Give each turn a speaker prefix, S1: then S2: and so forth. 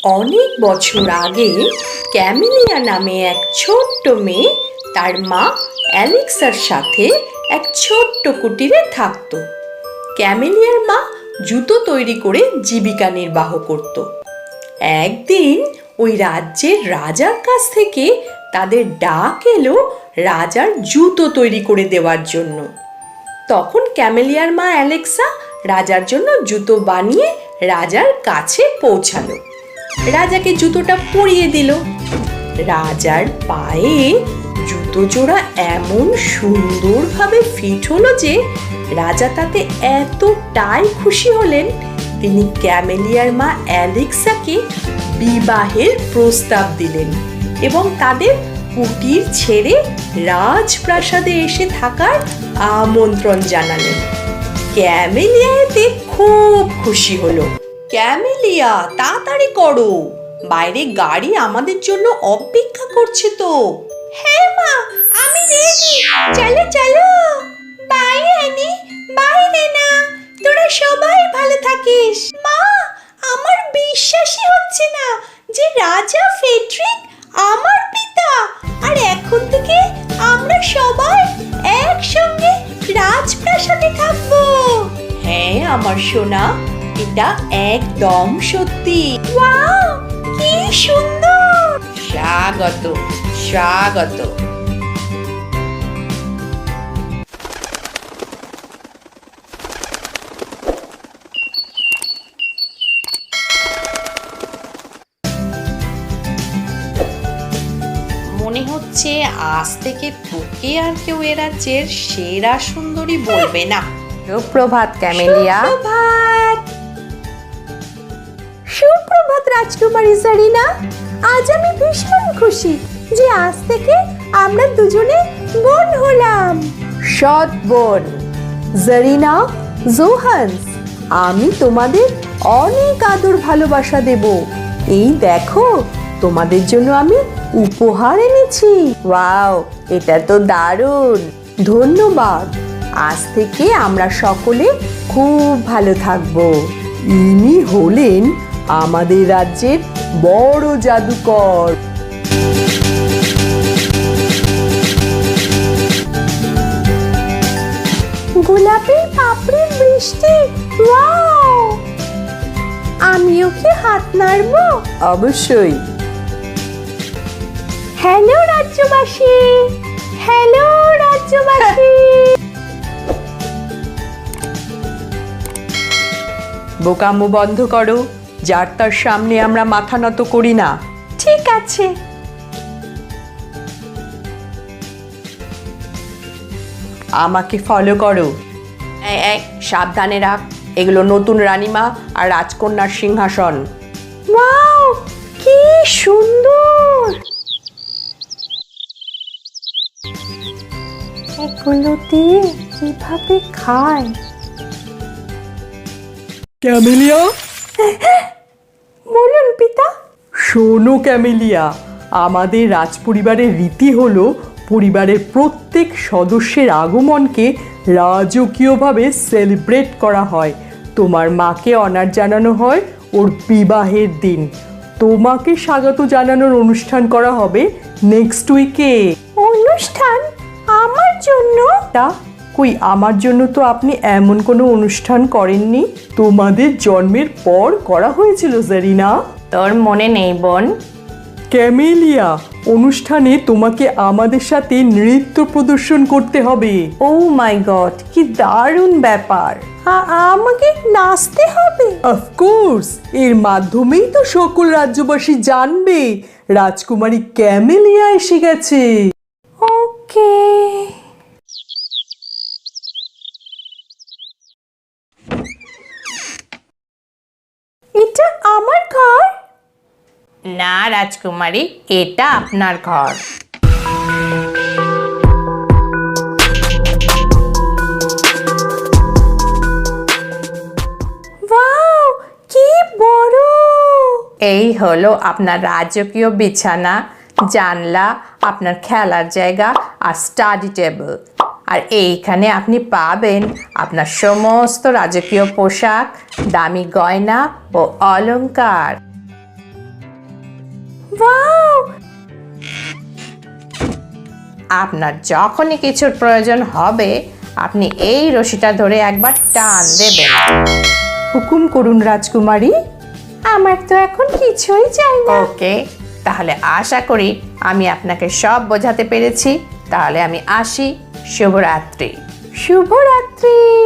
S1: অনেক বছর আগে ক্যামেলিয়া নামে এক ছোট্ট মেয়ে তার মা অ্যালেক্সার সাথে এক ছোট্ট কুটিরে থাকত। ক্যামেলিয়ার মা জুতো তৈরি করে জীবিকা নির্বাহ করত। একদিন ওই রাজ্যের রাজার কাছ থেকে তাদের ডাক এলো রাজার জুতো তৈরি করে দেওয়ার জন্য। তখন ক্যামেলিয়ার মা অ্যালেক্সা রাজার জন্য জুতো বানিয়ে রাজার কাছে পৌঁছালো। রাজাকে জুতোটা পরিয়ে দিল। রাজার পায়ে জুতো জোড়া এমন সুন্দরভাবে ফিট হলো যে রাজা তাতে এতটাই খুশি হলেন, তিনি ক্যামেলিয়ার মা অ্যালেক্সাকে বিবাহের প্রস্তাব দিলেন এবং তাদের কুটির ছেড়ে রাজপ্রাসাদে এসে থাকার আমন্ত্রণ জানালেন। ক্যামেলিয়া এতে খুব খুশি হলো। ক্যামেলিয়া, তাড়াতাড়ি করো, বাইরে গাড়ি আমাদের জন্য অপেক্ষা করছে তো। হ্যাঁ মা, আমি রেডি, চলো চলো। বাইরে আনি, বাইরে না, তোরা সবাই ভালো থাকিস। মা, আমার বিশ্বাসই হচ্ছে না যে রাজা ফেডরিক আমার পিতা, আর এখন থেকে আমরা সবাই একসঙ্গে রাজপ্রাসাদে থাকবো। হ্যাঁ আমার সোনা, এটা একদম সত্যি। ওয়াও, কি সুন্দর! স্বাগত স্বাগত। মনে হচ্ছে আজ থেকে তোকে আর কেউ এ রাজ্যের সেরা সুন্দরী বলবে না। সুপ্রভাত ক্যামেলিয়া। সুপ্রভাত। সুপ্রভাত রাজকুমারী জারিনা। আজ আমি ভীষণ খুশি যে আজ থেকে আমরা দুজনে বোন হলাম। সৎ বোন। জারিনা, জোহান্স, আমি তোমাদের অনেক আদর ভালোবাসা দেব। এই দেখো, তোমাদের জন্য আমি উপহার এনেছি। ওয়াও, এটা তো দারুণ। ধন্যবাদ। আজ থেকে আমরা সকলে খুব ভালো থাকবো। ইনি হলেন আমাদের রাজ্যের বড় জাদুকর। গোলাপি পাপড়ির বৃষ্টি। ওয়াও! আমিও কি হাত নাড়বো? অবশ্যই। Hello রাজ্যবাসী, hello রাজ্যবাসী। বোকামো বন্ধ করো, যার তার সামনে আমরা মাথা নত করি না। ঠিক আছে। আমাকে ফলো করো। সাবধানে রাখ, এগুলো নতুন রানীমা আর রাজকন্যার সিংহাসন। ওয়াও, কি সুন্দর! এগুলোতে কিভাবে খায়?
S2: ক্যামেলিয়া,
S1: বলুন পিতা।
S2: শোনো ক্যামেলিয়া, আমাদের রাজপরিবারের রীতি হলো পরিবারের প্রত্যেক সদস্যের আগমনকে রাজকীয়ভাবে সেলিব্রেট করা হয়। তোমার মাকে অনার জানানো হয় ওর বিবাহের দিন। তোমাকে স্বাগত জানানোর অনুষ্ঠান করা হবে নেক্সট উইকে।
S1: অনুষ্ঠান আমার জন্য?
S2: কই, আমার জন্য তো আপনি এমন কোনো অনুষ্ঠান করেননি। তোমাদের জন্মের পর করা হয়েছিল জারিনা।
S1: তোর মনে নেই বোন?
S2: ক্যামেলিয়া, অনুষ্ঠানে তোমাকে আমাদের সাথে নৃত্য প্রদর্শন করতে হবে।
S1: ও মাই গড, কি দারুণ ব্যাপার! আমাকে নাচতে হবে?
S2: অফকোর্স, এর মাধ্যমেই তো সকল রাজ্যবাসী জানবে রাজকুমারী ক্যামেলিয়া এসে গেছে।
S1: ওকে। এটা আমার ঘর? না রাজকুমারী, এটা আপনার ঘর। ওয়াও, কি বড়! এই হলো আপনার রাজকীয় বিছানা, জানলা, আপনার খেলার জায়গা আর স্টাডি টেবিল। আর এইখানে আপনি পাবেন আপনার সমস্ত রাজকীয় পোশাক, দামি গয়না ও অলংকার।
S3: ওয়াও! আপনার যখনই কিছুর প্রয়োজন হবে আপনি এই রশিটা ধরে একবার টান দেবেন।
S2: হুকুম করুন রাজকুমারী।
S3: আমার তো এখন কিছুই চাই না। ওকে, তাহলে আশা করি আমি আপনাকে সব বোঝাতে পেরেছি। তাহলে আমি আসি। শুভরাত্রি।
S2: শুভরাত্রি।